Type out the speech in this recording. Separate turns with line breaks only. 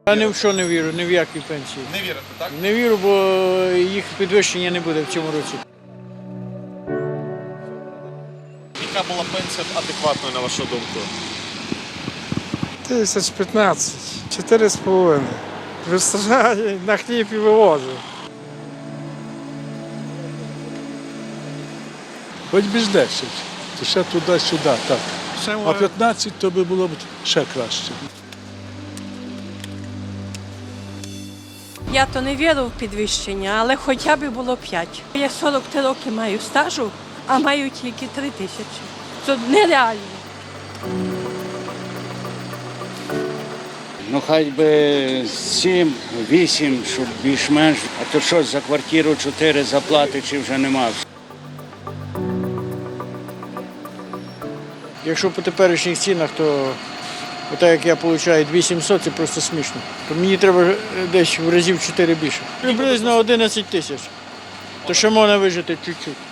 Я ні в що не вірю, ні в які пенсії.
Не вірите, так?
Не вірю, бо їх підвищення не буде в цьому році.
Яка була пенсія адекватною, на вашу думку?
1015, 4,5. Вистачає, на хліб і вивожу.
Хоч би ж 10, то ще туди-сюди, так. А 15 то би було б ще краще.
Я то не вірю в підвищення, але хоча б було 5. Я 43 роки маю стажу, а маю тільки 3 тисячі. Це нереально.
Ну, хай би 7, 8, щоб більш-менш. А то що, за квартиру 4 заплати чи вже нема?
Якщо по теперішніх цінах, то так як я отримую 2700, це просто смішно. То мені треба десь в разів 4 більше. Приблизно 11 тисяч. То ще можна вижити чуть-чуть.